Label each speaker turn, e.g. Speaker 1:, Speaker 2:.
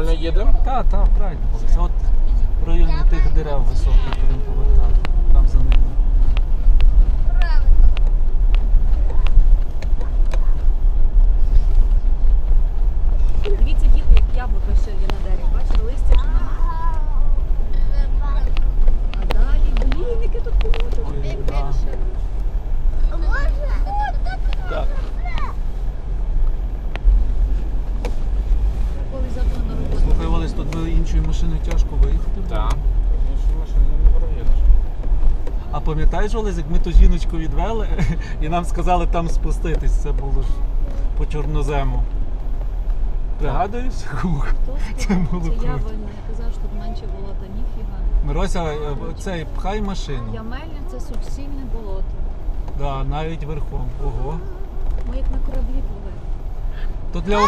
Speaker 1: Правильно їдемо?
Speaker 2: Так, правильно. Це от в районі тих дерев високих будемо повертати. Там за ними.
Speaker 3: Дивіться, діти, як яблука ще є на дереві. Бачите, листя вже немає. А далі, блін, яке тут болото.
Speaker 2: Да. Так.
Speaker 3: Коли завтра на роботу.
Speaker 2: Слухай, Олесь, тут би іншою машиною тяжко виїхати. було.
Speaker 1: Так. Машина не проїдеш.
Speaker 2: А пам'ятаєш, Олесь, як ми ту жіночку відвели і нам сказали там спуститись, це було ж по чорнозему. Пригадуєш? Ух, це було
Speaker 3: Це я
Speaker 2: круто.
Speaker 3: винна. Я казав, що тут менше болота, ніфіга.
Speaker 2: Мирося, цей, пхай машину.
Speaker 3: Ямельня – це суцільне болото.
Speaker 2: Да, навіть верхом. Ого.
Speaker 3: Ми як на кораблі пливли.
Speaker 2: То для